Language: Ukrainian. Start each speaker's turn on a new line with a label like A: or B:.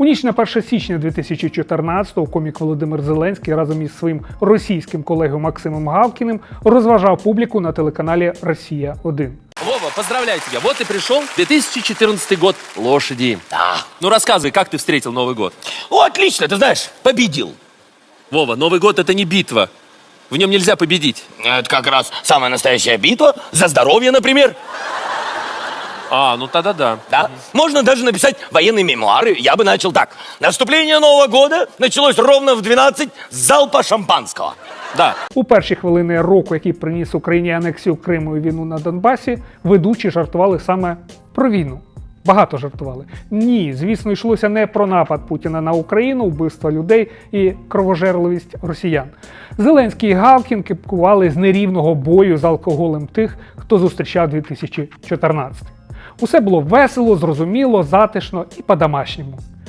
A: У ніч на 1 січня 2014-го комік Володимир Зеленський разом із своїм російським колегою Максимом Галкіним розважав публіку на телеканалі «Росія-1».
B: Вова, поздравляю тебя. Вот и пришел 2014 год лошади.
C: Да.
B: Ну рассказывай, как ты встретил Новый год?
C: О, отлично, ты знаешь, победил.
B: Вова, Новый год это не битва. В нем нельзя победить.
C: Это как раз самая настоящая битва. За здоровье, например.
B: А, ну тогда да.
C: Да? Можно даже написать военные мемуары. Я бы начал так. Наступление Нового года началось ровно в 12 с залпа шампанского.
B: Да.
A: У перші хвилини року, який приніс Україні анексію Криму і війну на Донбасі, ведучі жартували саме про війну. Багато жартували. Ні, звісно, йшлося не про напад Путіна на Україну, вбивство людей і кровожерливість росіян. Зеленський і Галкін кепкували з нерівного бою з алкоголем тих, хто зустрічав 2014. Усе було весело, зрозуміло, затишно і по-домашньому.